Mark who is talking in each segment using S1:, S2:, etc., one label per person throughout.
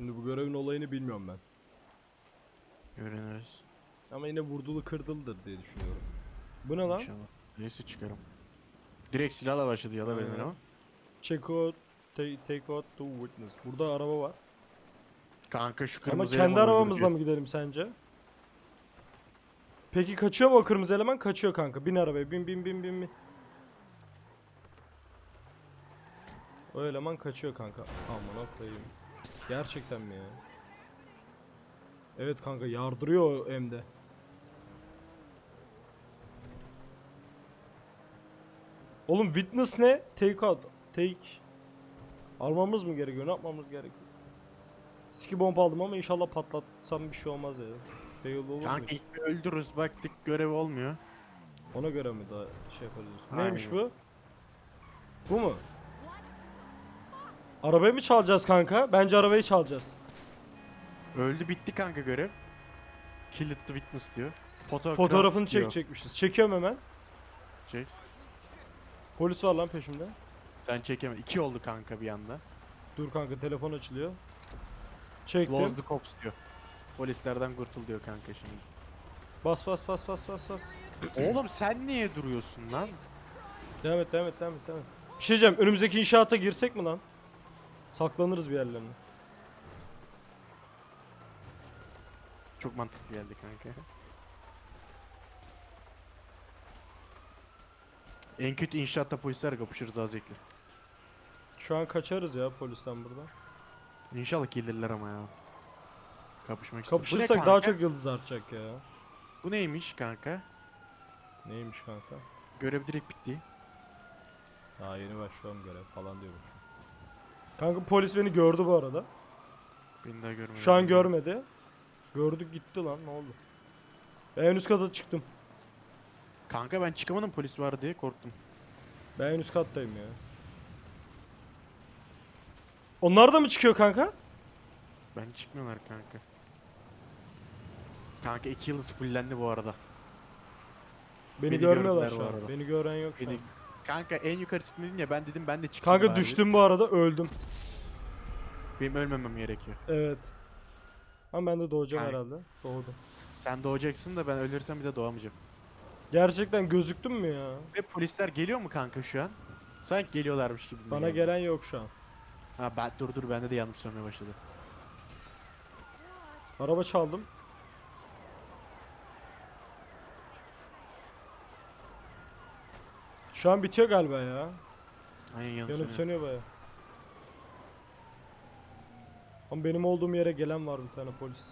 S1: Şimdi bu görevin olayını bilmiyorum ben.
S2: Öğreniriz.
S1: Ama yine vurdulu kırdılıdır diye düşünüyorum. Bu ne lan?
S2: İnşallah. Neyse çıkarım. Direkt silahla başladı ya da benim ama.
S1: Check out, take out to witness. Burada araba var.
S2: Kanka şu
S1: Ama
S2: kırmızı
S1: kendi
S2: eleman
S1: arabamızla
S2: öldürücü.
S1: mı gidelim sence? Peki kaçıyor mu o kırmızı eleman? Kaçıyor kanka. Bin arabaya. Bin bin bin bin bin. O eleman kaçıyor kanka. Aman koyayım. Gerçekten mi ya? Evet kanka yardırıyor hem de. Oğlum witness ne? Take out. Take. Almamız mı gerekiyor? Ne yapmamız gerekiyor? Ski bomba aldım ama inşallah patlatsam bir şey olmaz ya. Fail olur mu?
S2: Kanka ilk bir öldürürüz baktık görev olmuyor.
S1: Ona göre mi daha şey yapacağız?
S2: Aynen.
S1: Neymiş bu? Bu mu? Arabayı mı çalacağız kanka? Bence arabayı çalacağız.
S2: Öldü bitti kanka görev. Kill the witness diyor.
S1: Fotoğrafını
S2: diyor.
S1: çekecekmişiz. Çekiyorum hemen.
S2: Çek.
S1: Polis var lan peşimde.
S2: Sen çekeme. 2 oldu kanka bir anda.
S1: Dur kanka telefon açılıyor. Çektim.
S2: Close the cops diyor. Polislerden kurtul diyor kanka şimdi.
S1: Bas bas bas bas bas bas.
S2: Oğlum sen niye duruyorsun lan?
S1: Devam et devam et devam et devam et. Bir şey diyeceğim, önümüzdeki inşaata girsek mi lan? Saklanırız bir yerlerine.
S2: Çok mantıklı geldi kanka. En kötü inşaatta polisler kapışırız daha zevkli.
S1: Şu an kaçarız ya polisten buradan.
S2: İnşallah gelirler ama ya. Kapışmak istiyorum. Bu ne
S1: Kapışırsak daha
S2: kanka?
S1: çok yıldız artacak ya.
S2: Bu neymiş kanka?
S1: Neymiş kanka?
S2: Görev direkt bitti.
S1: Daha yeni başlıyorum görev falan diyormuş. Kanka polis beni gördü bu arada.
S2: Beni daha görmedi.
S1: Şu an görmedi. Gördük gitti lan, ne oldu? Ben en üst kata çıktım.
S2: Kanka ben çıkamadım polis var diye korktum.
S1: Ben en üst kattayım ya. Onlar da mı çıkıyor kanka?
S2: Ben çıkmıyorlar kanka. Kanka 2 yıldız fullendi bu arada.
S1: Beni
S2: Beni
S1: görmüyorlar
S2: gördüler
S1: şu
S2: bu
S1: an.
S2: arada.
S1: Beni gören yok şu
S2: Beni...
S1: an.
S2: Kanka en yukarı çıkmadın ya ben dedim ben de çıkayım
S1: Kanka
S2: bari.
S1: düştüm bu arada, öldüm.
S2: Benim ölmemem gerekiyor.
S1: Evet. Ama ben de doğacağım
S2: Kanka.
S1: herhalde. Doğdum.
S2: Sen doğacaksın da ben ölürsem bir de doğamayacağım.
S1: Gerçekten gözüktüm mü ya?
S2: Ve polisler geliyor mu kanka şu an? Sanki geliyorlarmış gibi.
S1: Bana gelen yok şu an.
S2: Ha ben dur bende de yanıp sönmeye başladı.
S1: Araba çaldım. Şu an bitiyor galiba ya.
S2: Aynen yanıp
S1: Yanıp
S2: sönüyor.
S1: sönüyor baya. Ama benim olduğum yere gelen var bir tane polis.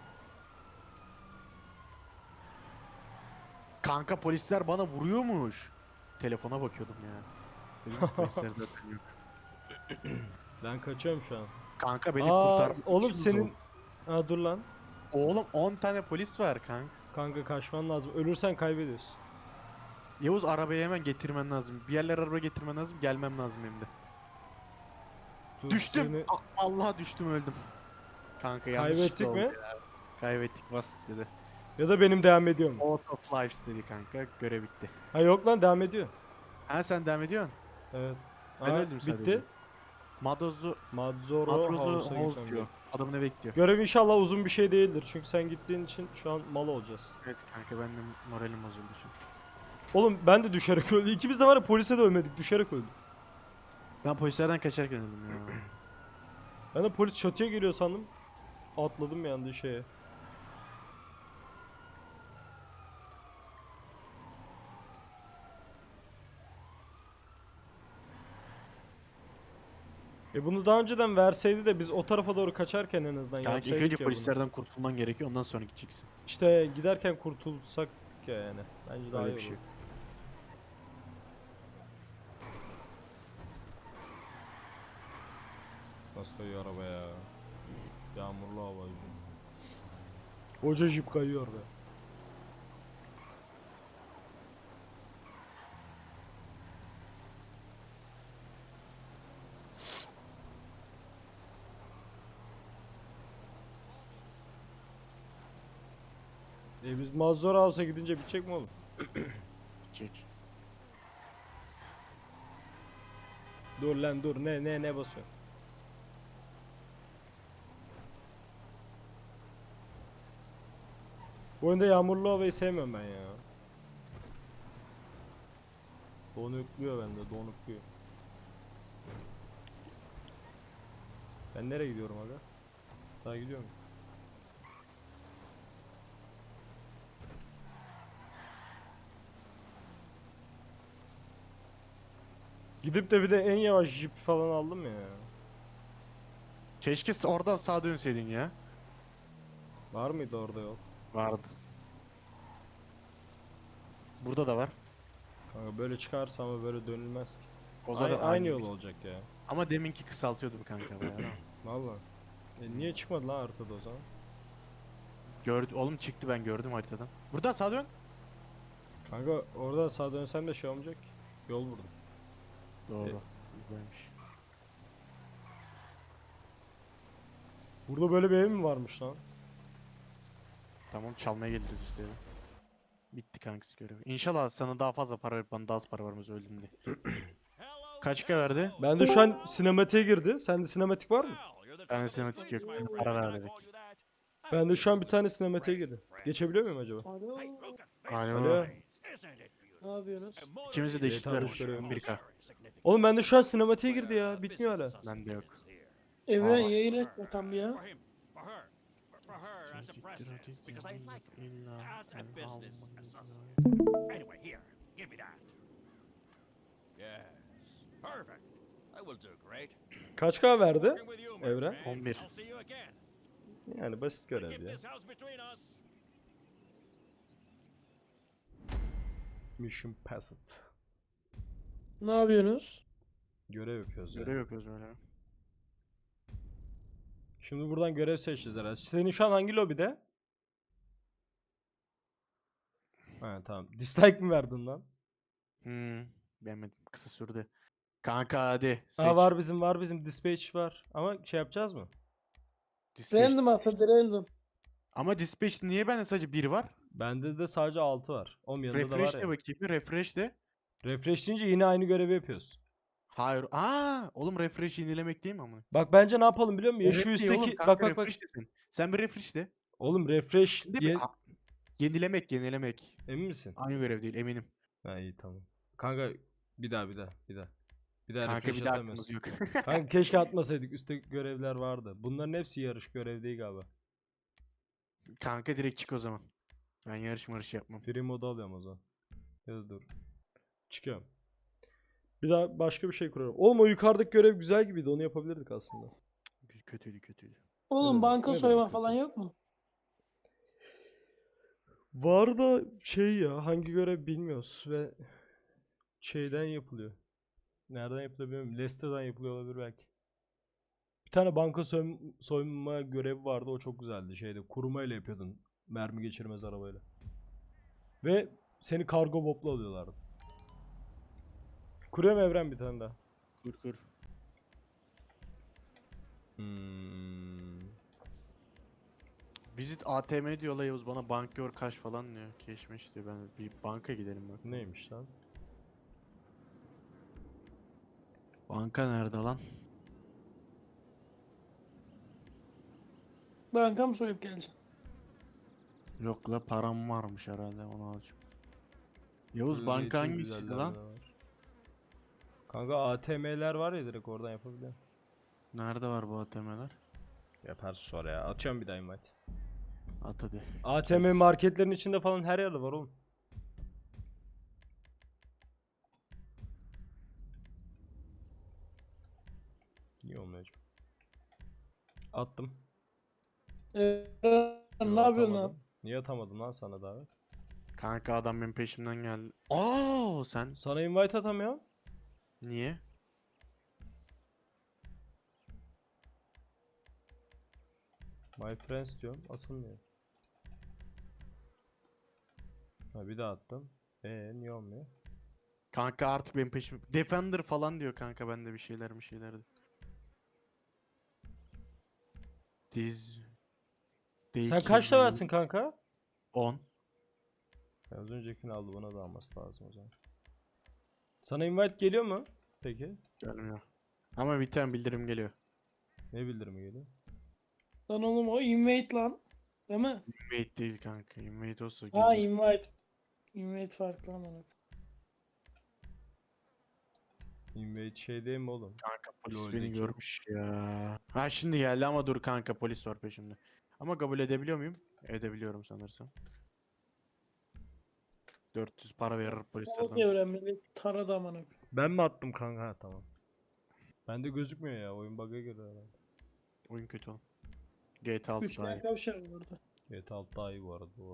S2: Kanka polisler bana vuruyormuş. Telefona bakıyordum ya. Dedim polisler zaten yok.
S1: Ben kaçıyorum şu an.
S2: Kanka beni
S1: Aa,
S2: kurtarmak
S1: oğlum
S2: için
S1: senin...
S2: zor.
S1: Ha dur lan.
S2: Oğlum 10 tane polis var kanks.
S1: Kanka kaçman lazım. Ölürsen kaybediyorsun.
S2: Yavuz arabayı hemen getirmen lazım. Bir yerlere araba getirmen lazım. Gelmem lazım hem de.
S1: Dur,
S2: Düştüm.
S1: seni-
S2: Allah düştüm öldüm. Kanka yanlışlıkla
S1: Kaybettik
S2: oldu
S1: mi?
S2: ya. Kaybettik basit dedi.
S1: Ya da benim devam ediyor mu?
S2: Out of lives dedi kanka. Görev bitti.
S1: Ha yok lan, devam ediyor.
S2: Ha sen devam ediyorsun.
S1: Evet.
S2: Ben
S1: Aa,
S2: öldüm sadece.
S1: bitti.
S2: Madozu
S1: Madzoro
S2: Madrozu
S1: House'a
S2: House
S1: gitmem
S2: diyor.
S1: gerek.
S2: Adamı ne bekliyor?
S1: Görev inşallah uzun bir şey değildir. Çünkü sen gittiğin için şu an mal olacağız.
S2: Evet kanka ben de moralim bozuldu şu an.
S1: Oğlum ben de düşerek öldüm. İkimiz de var ya, polise de ölmedik. Düşerek öldük.
S2: Ben polislerden kaçarken öldüm ya.
S1: Ben de polis çatıya geliyor sandım. Atladım bir anda şeye. Bunu daha önceden verseydi de biz o tarafa doğru kaçarken en azından
S2: Kanka ilk
S1: yapsaydık
S2: önce
S1: ya bunu.
S2: polislerden kurtulman gerekiyor ondan sonra gideceksin.
S1: İşte giderken kurtulsak ya yani. Bence daha
S2: Öyle
S1: iyi
S2: bir şey.
S1: olur. Nasıl kayıyor araba ya? Yağmurlu hava yüzünden. Koca jip kayıyor be. Biz Mazhor House'a gidince bitecek mi oğlum?
S2: Gidecek.
S1: Dur lan dur, ne basıyor? Bu oyunda yağmurlu havayı sevmiyorum ben ya. Donukluyor bende, donukluyor. Ben nereye gidiyorum aga? Daha gidiyorum. Gidip de bir de en yavaş jip falan aldım ya.
S2: Keşke oradan sağa dönseydin ya.
S1: Var mıydı orada yol?
S2: Vardı. Burada da var.
S1: Kanka böyle çıkarsa ama böyle dönülmez ki.
S2: O zaten
S1: Aynı yol olacak ya.
S2: Ama deminki kısaltıyordu kanka bayağı.
S1: Valla. Niye çıkmadı lan arkada o zaman?
S2: Oğlum çıktı, ben gördüm haritadan. Buradan sağa dön.
S1: Kanka orada sağa dönsem de şey olmayacak ki. Yol burada.
S2: Doğru. Güzelmiş.
S1: Burada böyle bir ev mi varmış lan?
S2: Tamam, çalmaya geliriz işte. Bitti kankası görevi. İnşallah sana daha fazla para verip bana daha az para vermez öldüm diye. Kaç K verdi?
S1: Ben de şu an sinematiğe girdi. Sende sinematik var mı?
S2: Ben de sinematik yok. Para ver dedik.
S1: Ben de şu an bir tane sinematiğe girdi. Geçebiliyor muyum acaba?
S3: Alo.
S2: Aynen
S1: Alo.
S2: öyle.
S3: Ne yapıyorsunuz?
S2: İkimizi de eşit
S1: GTA
S2: vermiş.
S1: görevi.
S2: 11K.
S1: Oğlum bende şu an sinematiğe girdi ya. Bitmiyor hala.
S2: Bende yok.
S3: Evren
S2: Aa.
S3: yayın et bakalım ya.
S4: Anyway, here, give me that. Yes, perfect. That will do great.
S1: Kaç K verdi?
S4: Working with you, my
S1: Evren?
S4: friend.
S2: 11.
S4: I'll see you again.
S1: Yani basit görev
S4: Keep
S1: ya.
S4: this house between us.
S1: Mission passed.
S3: Ne yapıyorsunuz?
S1: Görev yapıyoruz ya.
S2: Görev yapıyoruz öyle.
S1: Şimdi buradan görev seçeceğiz herhalde. Senin şu an hangi lobide? Ha tamam. Dislike mi verdin lan?
S2: Beğenmedim. Kısa sürdü. Kanka hadi. Seç.
S1: Aa var bizim dispatch var. Ama şey yapacağız mı?
S2: Dispatch.
S3: Random atladı random.
S2: Ama dispatch niye bende sadece 1 var?
S1: Bende de sadece 6 var. Oğlum yanında da var
S2: Refresh
S1: ya.
S2: de bakayım. Refresh de.
S1: Refresh deyince yine aynı görevi yapıyoruz.
S2: Hayır. Oğlum refresh yenilemek değil mi ama?
S1: Bak bence ne yapalım biliyor musun? Ya şu
S2: Evet değil oğlum,
S1: üstteki
S2: kanka,
S1: bak.
S2: refresh desin. Sen bir refresh de.
S1: Oğlum refresh
S2: Değil mi?
S1: diye
S2: Yenilemek.
S1: emin misin?
S2: Aynı görev değil, eminim.
S1: Ha iyi tamam. Kanka bir daha. Bir daha
S2: Kanka
S1: refresh
S2: bir daha
S1: atamıyorsun.
S2: aklımız yok.
S1: Kanka keşke atmasaydık. Üstte görevler vardı. Bunların hepsi yarış görev değil galiba.
S2: Kanka direkt çık o zaman. Ben yarış yapmam.
S1: Free modu alıyorum o zaman. Ya da dur. Çıkıyorum. Bir daha başka bir şey kurarım. Oğlum o yukarıdaki görev güzel gibiydi. Onu yapabilirdik aslında.
S2: Kötüydü.
S3: Oğlum
S1: demek-
S3: banka
S1: ne
S3: soyma
S1: demek
S3: falan
S1: kötü?
S3: yok mu?
S1: Var da şey ya hangi görev bilmiyoruz ve şeyden yapılıyor. Nereden yapılıyor bilmiyorum. Leicester'dan yapılıyor olabilir belki. Bir tane banka soyma görevi vardı. O çok güzeldi. Şeyde kurumayla yapıyordun. Mermi geçirmez arabayla. Ve seni kargo botla alıyorlardı. Kuruyorum Evren bir tane daha.
S2: Kur. Visit ATM diyor Yavuz, bana banka kaç falan diyor. Keşmeş diyor, ben bir banka gidelim bak.
S1: Neymiş lan?
S2: Banka nerede lan?
S3: Banka mı soyup geleceksin?
S2: Yok la, param varmış herhalde, onu alacağım. Yavuz
S1: Böyle
S2: banka
S1: için
S2: hangisiydi
S1: güzeller
S2: lan?
S1: de var. Kanka ATM'ler var ya direkt oradan yapabiliyor.
S2: Nerede var bu ATM'ler?
S1: Yaparsın sonra ya. Atıyorum bir daha invite.
S2: At hadi.
S1: ATM
S2: Kes.
S1: marketlerin içinde falan her yerde var oğlum. Niye olmuyor acaba? Attım.
S3: Evren
S1: Yo,
S3: ne yapıyorsun
S1: atamadım.
S3: lan?
S1: Niye atamadım lan sana davet?
S2: Kanka adam benim peşimden geldi. Sen
S1: Sana invite atamıyorum.
S2: niye?
S1: My friends diyorum atılmıyor. Ha bir daha attım. Niye olmuyor?
S2: Kanka artık benim peşim. Defender falan diyor kanka, bende bir şeyler. Diz.
S1: Sen kaç levelsin kanka?
S2: 10.
S1: Az öncekini aldı bana da alması lazım o zaman. Sana invite geliyor mu? Peki.
S2: Gelmiyor. Ama bir tane bildirim geliyor.
S1: Ne bildirimi geliyor?
S3: Lan oğlum o invade lan. Değil mi?
S2: Invade değil kanka. Invade olsa
S3: Ha
S2: gelir.
S3: invite. Invite farklı ama.
S1: Invade şey değil mi oğlum?
S2: Kanka polis beni
S1: LoL'deki.
S2: görmüş ya. Ha şimdi geldi ama dur kanka polis var peşimde. Ama kabul edebiliyor muyum? Edebiliyorum sanırsam. 400 para verir
S3: Salak
S2: polislerden.
S3: evren beni taradı amına.
S1: Ben mi attım kanka? Ha, tamam. Bende gözükmüyor ya. Oyun bug'a giriyor herhalde.
S2: Oyun kötü oğlum. GTA 6 daha iyi.
S3: Üçgen kavşak burada.
S1: GTA 6 daha iyi bu arada, doğru.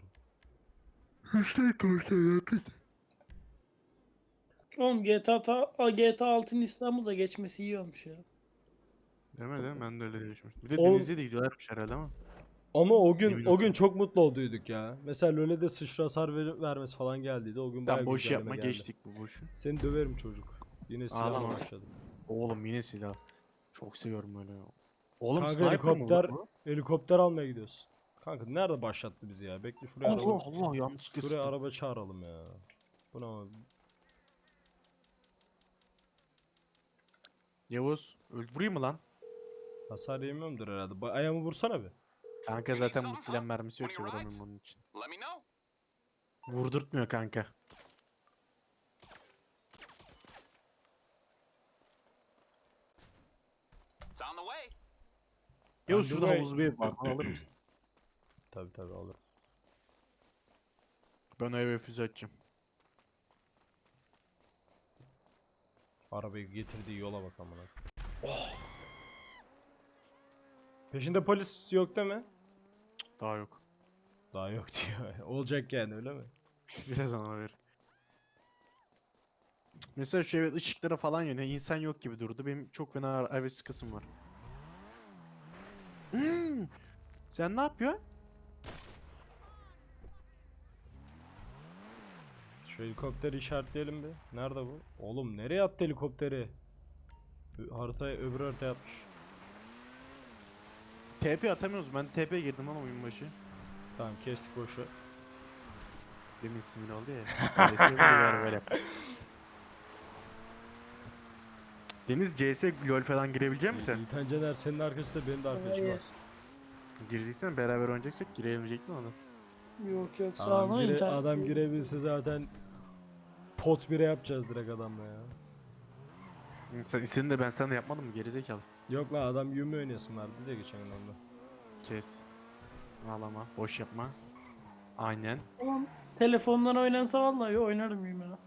S3: Oğlum GTA 6'nın İstanbul'da geçmesi iyi olmuş ya.
S2: Değil mi değil mi? Ben de öyle düşünmüştüm. Bir de
S1: Oğlum-
S2: Denizli'ye de gidiyorlarmış herhalde ama.
S1: Ama o
S2: Emin
S1: gün
S2: ol.
S1: çok mutlu olduyduk ya. Mesela LoL'e sıçra hasar vermesi falan geldiydi. O gün bayağı
S2: Sen boş
S1: güncelleme
S2: yapma
S1: geldi.
S2: geçtik bu boşu.
S1: Seni döverim çocuk. Yine silahla
S2: Ağlama.
S1: başladım.
S2: Oğlum yine silah. Çok seviyorum öyle ya. Oğlum
S1: Kanka
S2: sniper mı
S1: helikopter-
S2: bu?
S1: Helikopter almaya gidiyoruz. Kanka nerede başlattı bizi ya? Bekle şuraya
S2: Allah
S1: araba,
S2: Allah yanlışlıkla
S1: şuraya
S2: sıktım.
S1: araba çağıralım ya. Bu ne abi?
S2: Yavuz vurayım mı lan?
S1: Hasar yemiyorumdur herhalde. Ayağımı vursana bir.
S2: Kanka zaten bu silah mermisi yok ki vuramıyorum onun için.
S4: Let me know.
S2: Vurdurtmuyor kanka.
S4: It's on the way.
S2: Yavuz
S1: Ben
S2: şurada
S1: burayı-
S2: havuz bir ev var. Bana alır mısın?
S1: Tabi tabi alırım.
S2: Ben o eve füze açacağım.
S1: Arabayı getirdiği yola bak amına. Peşinde polis yok değil mi?
S2: Daha yok.
S1: Daha yok diyor. Olacak yani, öyle mi?
S2: Biraz ana ver. Mesela şu evet ışıklara falan yönüyor. İnsan yok gibi durdu. Benim çok fena eve sıkısım var. Sen ne yapıyorsun?
S1: Şu helikopteri işaretleyelim bir. Nerede bu? Oğlum nereye attı helikopteri? Haritaya, öbür haritaya atmış.
S2: TP atamıyoruz. Ben TP girdim ama oyun başı.
S1: Tamam kestik boşu.
S2: Demin sinir oldu ya. Öyle seviyorlar böyle. Deniz CS LoL falan girebilecek misin?
S1: İlhan Caner senin arkadaşın, benim de arkadaşım var.
S3: Hayır.
S2: Gireceksen beraber oynayacaksak girebilecek mi ona?
S3: Yok yok sağ
S1: Adam,
S3: olun internet.
S1: adam girebilse zaten pot 1'e yapacağız direkt adamla ya.
S2: Sen istedin de ben sana yapmadım mı gerizekalı?
S1: Yok lan, adam Yumi oynayasın vardı diye geçen gün onunla.
S2: Kes. Ağlama, boş yapma. Aynen.
S3: Tamam. Telefondan oynansa vallahi oynarım mıyım ya.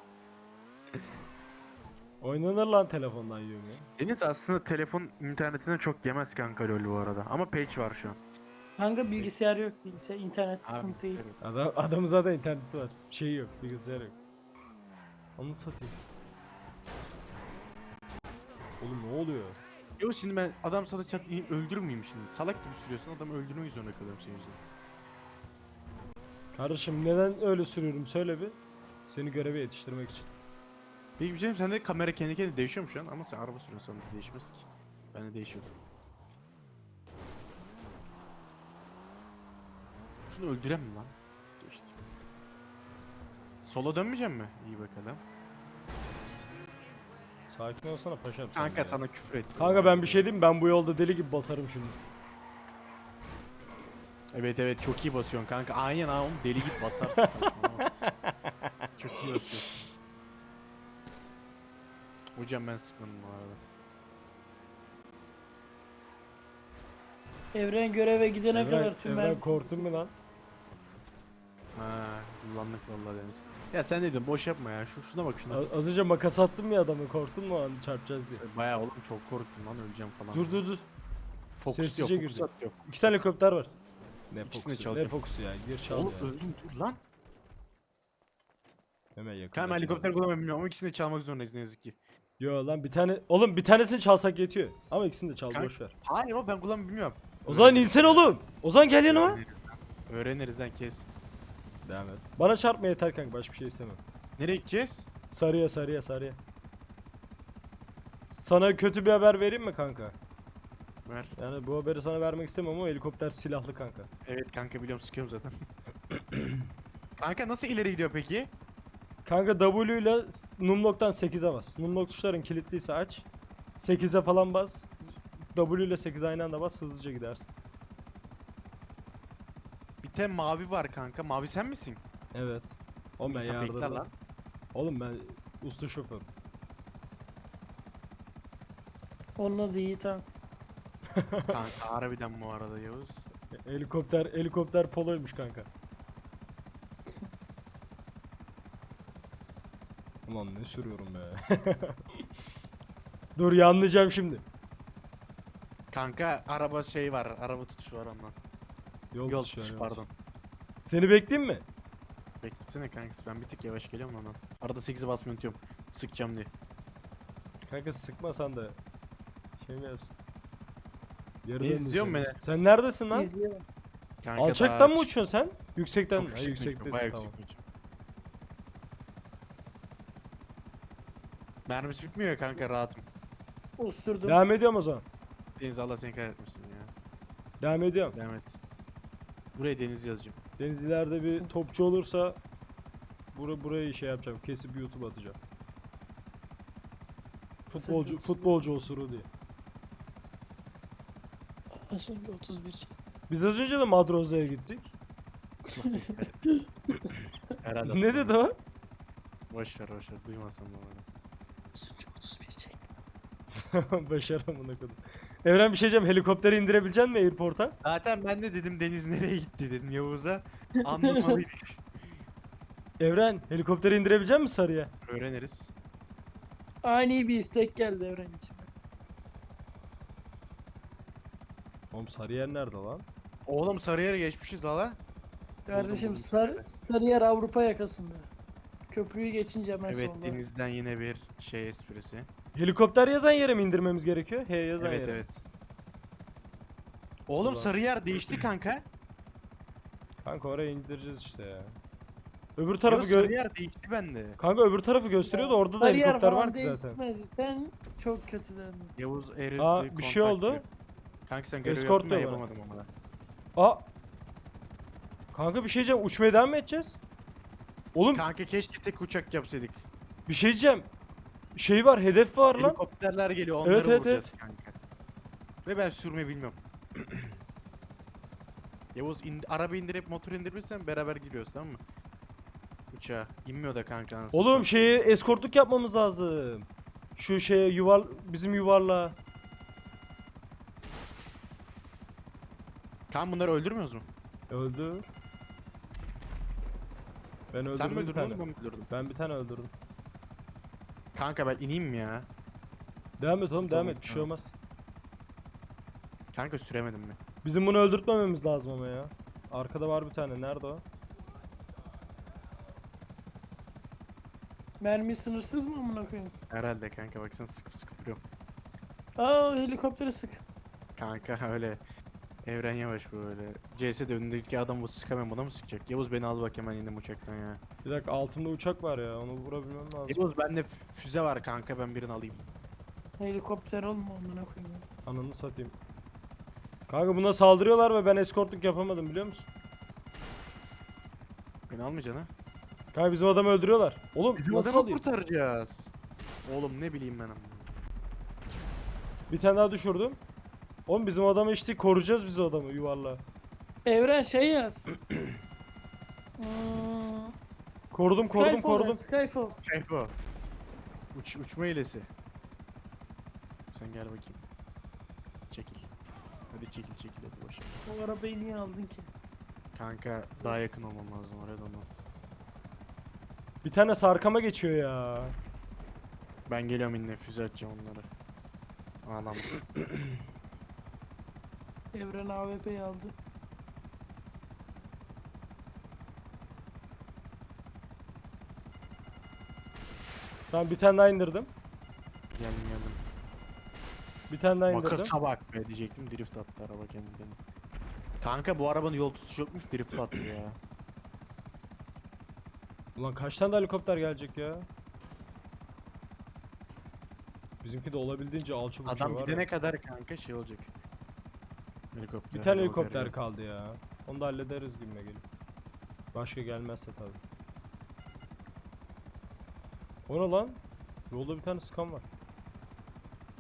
S1: Oynanır lan telefondan Yumi.
S2: Deniz aslında telefon internetine çok yemez kanka LoL bu arada. Ama page var şu an.
S3: Kanka bilgisayar yok, bilgisayar internet sıkıntı değil.
S1: Adamın zaten interneti var. Şeyi yok, bilgisayar yok. Onu satayım. Oğlum ne oluyor?
S2: Yok şimdi ben adam sana çat öldürmeyeyim şimdi. Salak gibi sürüyorsun adamı öldürmek zorunda kalıyorum senin yüzünden.
S1: Kardeşim neden öyle sürüyorum söyle bir. Seni göreve yetiştirmek için.
S2: Peki bir şey sen de kamera kendi kendine değişiyor mu şu an? Ama sen araba sürüyorsun sana değişmez ki. Ben de değişiyordu. Şunu öldürem mi lan? Geçti. Sola dönmeyeceğim mi? İyi bakalım.
S1: Sakin olsana paşam sen
S2: Kanka
S1: ya.
S2: sana küfür ettim.
S1: Kanka ben bir şey diyeyim mi? Ben bu yolda deli gibi basarım şimdi.
S2: Evet evet çok iyi basıyorsun kanka. Aynen ha oğlum deli gibi basarsın. saçmalama. Çok iyi basıyorsun. Hocam ben sıkmadım bu arada.
S3: Evren göreve gidene kadar tüm
S1: Evren
S3: mermisi-
S1: korktun mu lan?
S2: Ha kullandık vallahi Deniz. Ya sen ne diyorsun boş yapma ya. Şuna bak şuna.
S1: Az önce makas attım ya adamı, korktun mu an çarpacağız diye.
S2: Bayağı oğlum çok korktum lan öleceğim falan.
S1: Dur.
S2: Fokus
S1: sessizce
S2: yok fokus
S1: girdi.
S2: atıyor.
S1: 2 tane helikopter var. Ne
S2: İkisini
S1: fokusu? Ne
S2: çalacağım.
S1: fokusu ya? Gir çal
S2: Oğlum
S1: ya.
S2: öldüm dur lan.
S1: Hemen yakın.
S2: Kanka helikopter kullanmayı bilmiyorum ama ikisini de çalmak zorundayız ne yazık ki.
S1: Yo lan bir tane. Oğlum bir tanesini çalsak yetiyor. Ama ikisini de çal,
S2: Kanka-
S1: boş ver.
S2: Hayır o ben kullanmayı bilmiyorum.
S1: O zaman insan oğlum. O zaman gel yanıma.
S2: Öğreniriz lan kes.
S1: Devam et. Bana çarpma yeter kanka, başka bir şey istemem.
S2: Nereye gideceğiz?
S1: Sarıya. Sana kötü bir haber vereyim mi kanka?
S2: Ver.
S1: Yani bu haberi sana vermek istemem ama helikopter silahlı kanka.
S2: Evet kanka biliyorum sıkıyorum zaten. Kanka nasıl ileri gidiyor peki?
S1: Kanka W ile numlock'tan 8'e bas. Numlock tuşların kilitliyse aç. 8'e falan bas. W ile 8 aynı anda bas, hızlıca gidersin.
S2: tane mavi var kanka. Mavi sen misin?
S1: Evet. Oğlum ben
S2: Sen bekle
S1: yardımda.
S2: lan.
S1: Oğlum ben usta şoför.
S3: Onun adı Yiğit abi.
S2: Kanka harbiden bu arada Yavuz.
S1: Helikopter poloymuş kanka. Ulan ne sürüyorum be. Dur yanlayacağım şimdi.
S2: Kanka araba şey var. Araba tutuşu var ondan. Yol
S1: tutuşu var,
S2: tutuşu
S1: yol
S2: pardon.
S1: tutuşu. Seni bekleyeyim mi?
S2: Beklesene kankası ben bir tık yavaş geliyorum ondan. Arada 8'i basmayı unutuyorum. Sıkacağım diye.
S1: Kanka sıkmasan da şey mi yapsın? Yarıdan
S2: İzliyorsun
S1: uçuyorum.
S2: beni.
S1: Sen neredesin lan?
S3: İzliyorum.
S2: Kanka
S1: Alçaktan
S2: daha
S1: mı uçuyorsun sen? Yüksekten
S2: Çok
S1: mi? Ha,
S2: yüksek uçuyorum,
S1: yüksektesin
S2: bayağı
S1: tamam.
S2: yüksek uçuyorum. Mermisi bitmiyor ya kanka rahatım.
S3: Usturdum.
S1: Devam ediyorum o zaman.
S2: Deniz Allah seni kahretmesin ya.
S1: Devam ediyorum.
S2: Devam et. Buraya Deniz yazacağım.
S1: Deniz ileride bir topçu olursa burayı şey yapacağım. Kesip YouTube atacağım. Futbolcu osuru diye.
S3: Az önce 31 çek.
S1: Biz az önce de Madroza'ya gittik.
S2: Allah seni kahretmesin. Herhalde
S1: Ne dedi o?
S2: Boş ver duymasam da bana.
S3: Az önce 31 çek.
S1: Başaramına kadar. Evren bir şey diyeceğim. Helikopteri indirebilecek misin airport'a?
S2: Zaten ben de dedim Deniz nereye gitti dedim Yavuz'a. Anlamalıydık.
S1: Evren helikopteri indirebilecek misin Sarıya?
S2: Öğreniriz.
S3: Ani bir istek geldi Evren için.
S1: Oğlum Sarıyer nerede lan?
S2: Oğlum Sarıyer'e geçmişiz hala.
S3: Kardeşim
S2: buldum.
S3: Sarıyer Avrupa yakasında. Köprüyü geçince hemen
S2: Evet
S3: solda.
S2: Deniz'den yine bir şey esprisi.
S1: Helikopter yazan yere mi indirmemiz gerekiyor? H yazan
S2: Evet
S1: yere.
S2: evet. Oğlum
S1: Ulan.
S2: Sarıyer değişti kanka.
S1: Kanka oraya indireceğiz işte ya. Öbür tarafı
S2: Sarıyer değişti bende.
S1: Kanka öbür tarafı gösteriyordu. Orada da
S3: Sarıyer
S1: helikopter
S3: falan
S1: var ki zaten.
S3: değişmedi. Sen çok kötü döndün.
S2: Yavuz Eril'de
S1: Aa, bir şey
S2: kontak
S1: oldu.
S2: diyor. Kanka sen görev
S1: Escort
S2: yaptın ben
S1: diyor bana.
S2: yapamadım ama.
S1: Aa. Kanka bir şey diyeceğim. Uçmaya devam mı edeceğiz? Oğlum
S2: Kanka keşke tek uçak yapsaydık.
S1: bir şey diyeceğim. Şey var, hedef var lan.
S2: Helikopterler geliyor onları
S1: Evet, evet,
S2: vuracağız kanka. Ve ben sürme bilmiyorum. Yavuz araba indirip motor indirirsen beraber giriyoruz tamam mı? Uçağa. İnmiyor da kanka anasını
S1: Oğlum
S2: satayım.
S1: şeye eskortluk yapmamız lazım. Şu şeye bizim yuvarla.
S2: Kan bunları öldürmüyoruz mu?
S1: Öldü. Ben öldürdüm
S2: Sen mi
S1: bir
S2: öldürdün
S1: tane.
S2: oğlum ben mi öldürdüm?
S1: Ben bir tane öldürdüm.
S2: Kanka ben ineyim mi ya?
S1: Devam et oğlum
S2: Siz
S1: devam
S2: olun,
S1: et. Bir şey
S2: tamam.
S1: olmaz.
S2: Kanka süremedim mi?
S1: Bizim bunu öldürtmememiz lazım ama ya. Arkada var bir tane. Nerede o?
S3: Mermi sınırsız mı amına koyayım?
S2: Herhalde kanka baksana sıkıp sıkıp duruyorum.
S3: Aa helikoptere sık.
S2: Kanka öyle. Evren yavaş böyle. CS'de önündeki adamı sıkamam buna mı sıkacak? Yavuz beni al bak hemen indim uçaktan ya.
S1: Bir dakika altında uçak var ya. Onu vurabilmem lazım.
S2: Yavuz bende füze var kanka ben birini alayım.
S3: Helikopter olma amına koyayım.
S1: Ananı satayım. Kanka buna saldırıyorlar ve ben eskortluk yapamadım biliyor musun?
S2: Beni almayacaksın ha?
S1: Kanka bizim adamı öldürüyorlar. Oğlum
S2: Bizim
S1: nasıl
S2: adamı
S1: alayım?
S2: kurtaracağız. Oğlum ne bileyim ben ama.
S1: Bir tane daha düşürdüm. Oğlum bizim adamı işte koruyacağız biz o adamı yuvarla.
S3: Evren şey yaz.
S1: Korudum
S3: Skyfall yaz, Skyfall.
S2: Şey bu. Uçma hilesi. Sen gel bakayım. Çekil. Hadi çekil hadi boş ver.
S3: O arabayı niye aldın ki?
S2: Kanka daha yakın olmam lazım oraya da ondan.
S1: Bir tane sarkama geçiyor ya.
S2: Ben geliyorum yine füze atacağım onları. Ağlam.
S3: Evren AWP'yi aldı.
S1: Tamam bir tane daha indirdim.
S2: Geldim.
S1: Bir tane daha indirdim.
S2: Makasa bak be diyecektim drift attı araba kendini. Kanka bu arabanın yol tutuşu yokmuş drift attı ya.
S1: Ulan kaç tane daha helikopter gelecek ya? Bizimki de olabildiğince alçı burcu
S2: Adam
S1: var
S2: gidene
S1: ya.
S2: kadar kanka şey olacak. Helikopter.
S1: Bir tane
S2: hava
S1: helikopter
S2: geliyor.
S1: kaldı ya. Onu da hallederiz gibime gelip. Başka gelmezse tabi. O ne lan? Yolda bir tane skan var.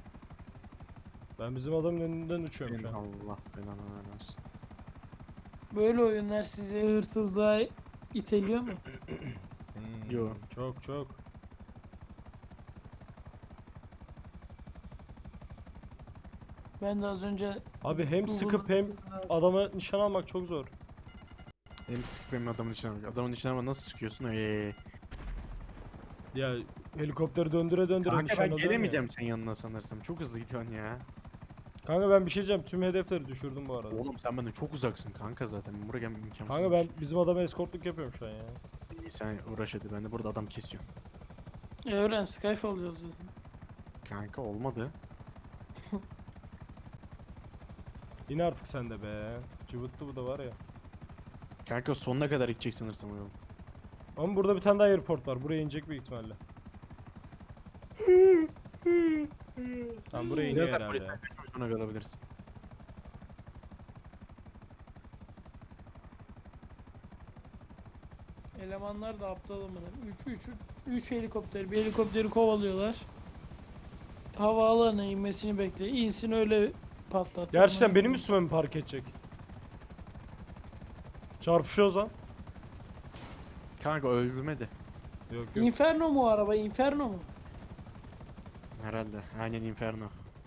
S1: Ben bizim adamın önünden uçuyorum
S2: Senin
S1: şu an.
S2: Allah belanı vermesin.
S3: Böyle oyunlar sizi hırsızlığa iteliyor mu?
S2: Yo.
S1: Çok çok.
S3: Ben de az önce
S1: Abi hem sıkıp
S3: Google'da-
S1: hem adama nişan almak çok zor.
S2: Hem sıkıp hem adamın içine almak. Adamın içine ama nasıl sıkıyorsun?
S1: Ya helikopteri döndüre döndüre
S2: Kanka
S1: nişan
S2: ben
S1: alıyorum ya.
S2: gelemeyeceğim senin yanına sanırsam. Çok hızlı gidiyorsun ya.
S1: Kanka ben bir şey diyeceğim. Tüm hedefleri düşürdüm bu arada.
S2: Oğlum sen benden çok uzaksın kanka zaten. Buraya gelmem imkansız.
S1: Kanka ben bizim adama eskortluk yapıyorum şu an ya.
S2: İyi, sen uğraş hadi. Ben de burada adam kesiyorum.
S3: Evren Skyfall oluyoruz zaten.
S2: Kanka olmadı.
S1: İn artık sen de be. Cıvıttı bu da var ya.
S2: Kanka sonuna kadar gidecek sanırsam o yol.
S1: Ama burada bir tane daha airport var. Buraya inecek büyük ihtimalle. Tamam buraya iniyor
S2: Biraz daha
S1: herhalde
S2: polisten
S1: ya.
S2: kaçmış sonra kalabiliriz.
S3: Elemanlar da aptal amına. 3 helikopter, bir helikopteri kovalıyorlar. Havaalanına inmesini bekliyor. İnsin öyle patlat.
S1: Gerçekten benim üstüme mi park edecek? Çarpışıyoruz lan.
S2: Kanka öldürmedi.
S1: Yok yok.
S3: Inferno mu o araba? Inferno mu?
S2: Herhalde. Aynen Inferno.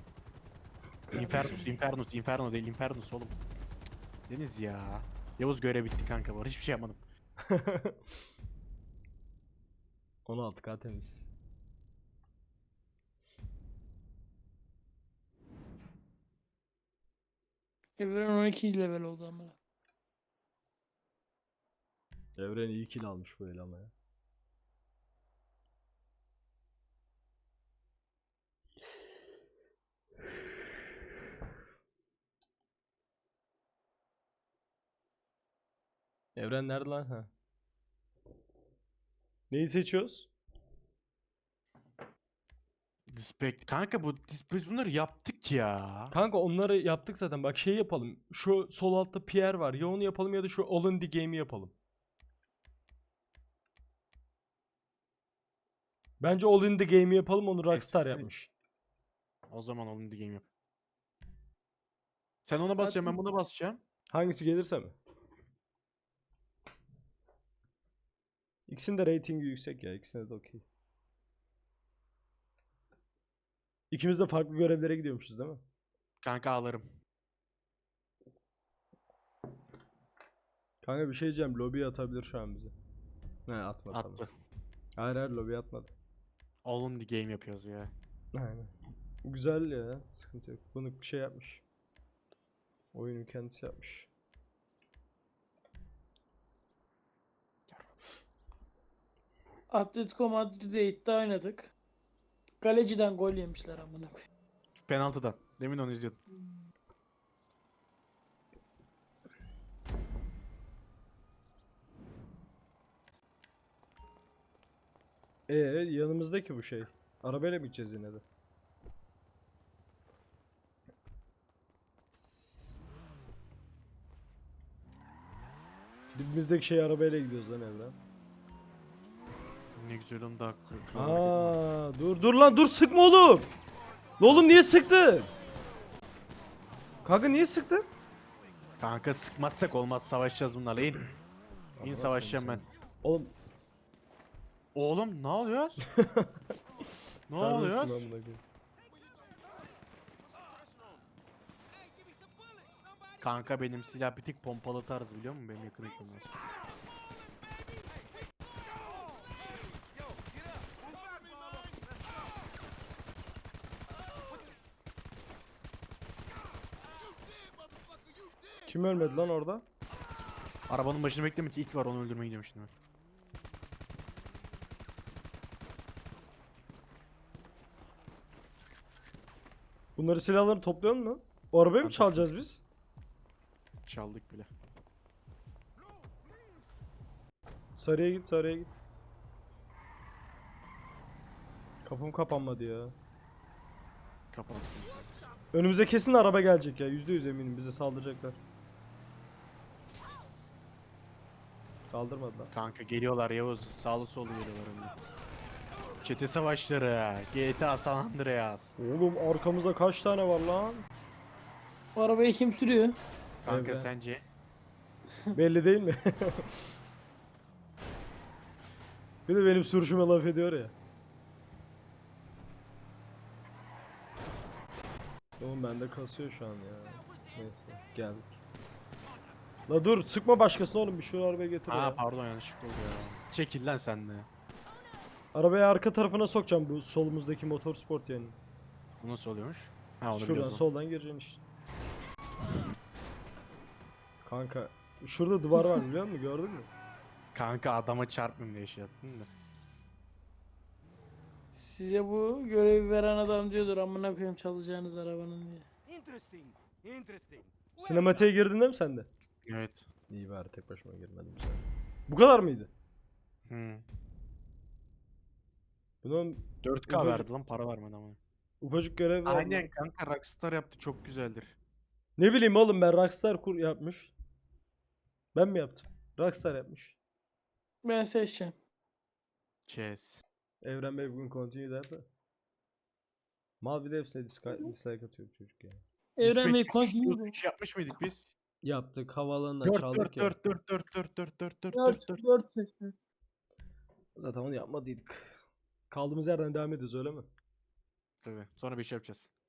S2: Inferno değil Infernus oğlum. Cık, Deniz ya. Yavuz görev bitti kanka var. Hiçbir şey yapmadım.
S1: 16K temiz.
S3: Evren 12 level oldu ama.
S1: Evren iyi kill almış bu el ama ya. Evren nerede lan? Ha. Neyi seçiyoruz?
S2: Kanka biz bunları yaptık ya.
S1: Kanka onları yaptık zaten. Bak şey yapalım. Şu sol altta Pierre var. Ya onu yapalım ya da şu All in the Game'i yapalım. Bence All in the Game'i yapalım. Onu Rockstar
S2: Eskisi mi?
S1: yapmış.
S2: O zaman oğlum the game yap. Sen ona basacaksın ben buna basacağım.
S1: Hangisi gelirse mi? İkisinin de ratingi yüksek ya. İkisine de okey. İkimiz de farklı görevlere gidiyormuşuz değil mi?
S2: Kanka ağlarım.
S1: Kanka bir şey diyeceğim. Lobiye atabilir şu an bizi. Ne atmadı.
S2: Attı.
S1: Tamam. Hayır hayır lobiye atmadı.
S2: All in the game yapıyoruz ya.
S1: Aynen. Güzel ya. Sıkıntı yok. Bunu şey yapmış. Oyunun kendisi yapmış.
S3: Atletico Madrid'e iddia oynadık. Kaleciden gol yemişler amına koyayım.
S2: Penaltıdan. Demin onu izliyordum.
S1: Yanımızdaki bu şey. Arabayla mı gideceğiz yine de? Dibimizdeki şey arabayla gidiyoruz lan Evren.
S2: Ne güzel onu daha
S1: Dur lan dur sıkma oğlum. Lan oğlum niye sıktın? Kanka niye sıktın?
S2: Kanka sıkmazsak olmaz savaşacağız bunlarla in. İn savaşacağım ben.
S1: Oğlum
S2: Oğlum ne oluyor? Ne
S1: sarhoşsun
S2: oluyor?
S1: amına koyayım.
S2: Kanka benim silah bir tık pompalı tarz biliyor musun? Benim yakın ekranım var.
S1: Kim ölmedi lan orada?
S2: Arabanın başını bekleme ki ilk var onu öldürmeye gidiyorum şimdi ben.
S1: Bunları silahları topluyor mu? O arabayı mı
S2: Ben
S1: çalacağız biz?
S2: Çaldık bile.
S1: Sarıya git sarıya git. Kapım kapanmadı ya.
S2: Kapalı.
S1: Önümüze kesin araba gelecek ya. %100 eminim bize saldıracaklar. Saldırmadılar.
S2: Kanka geliyorlar Yavuz. Sağlı sollu geliyorlar önüne. Çete savaşları. GTA San Andreas.
S1: Oğlum arkamızda kaç tane var lan?
S3: O arabayı kim sürüyor?
S2: Kanka
S1: Evet.
S2: sence?
S1: Belli değil mi? Bir de benim sürüşüme laf ediyor ya. Oğlum bende kasıyor şu an ya. Neyse geldik. La dur sıkma başkasına oğlum bir şu arabaya getir
S2: Ha
S1: ya.
S2: pardon yanlışlıkla oldu ya. Çekil lan sen de.
S1: Arabayı arka tarafına sokacağım bu solumuzdaki motor sport yani.
S2: Bu nasıl oluyormuş? Ha onu
S1: Şuradan
S2: biliyoruz.
S1: soldan gireceksin işte. Kanka şurada duvar var biliyor musun? Gördün mü?
S2: Kanka adama çarpmayayım diye şey yaptın da.
S3: Size bu görevi veren adam diyordur amına koyayım çalacağınız arabanın diye.
S4: Interesting. Interesting.
S1: Sinematiğe girdin değil mi sen de?
S2: Evet.
S1: İyi bari tek başıma girmedim sen. Bu kadar mıydı?
S2: Hmm.
S1: Bunun
S2: 4K
S1: Ufacık-
S2: verdi lan para vermedi ama.
S1: ufacık görev var.
S2: Aynen kanka Rockstar yaptı çok güzeldir.
S1: Ne bileyim oğlum ben Rockstar kur yapmış. Ben mi yaptım? Rockstar yapmış.
S3: Ben seçeceğim.
S2: Chess.
S1: Evren Bey bugün continue derse. Mal bir de hepsine dislike atıyor bu çocuk ya.
S3: Evren Bey
S2: Biz
S3: continue.
S2: 3 yapmış mıydık biz?
S1: Yaptık havaalanından
S2: 4
S1: çaldık
S2: 4
S1: ya.
S2: 4 4 4 4 4 4 4
S3: 4
S2: 4
S3: 4 seçtim.
S1: Zaten onu yapmadıydık. Kaldığımız yerden devam ediyoruz öyle mi?
S2: Tabii. Sonra 5 yapacağız.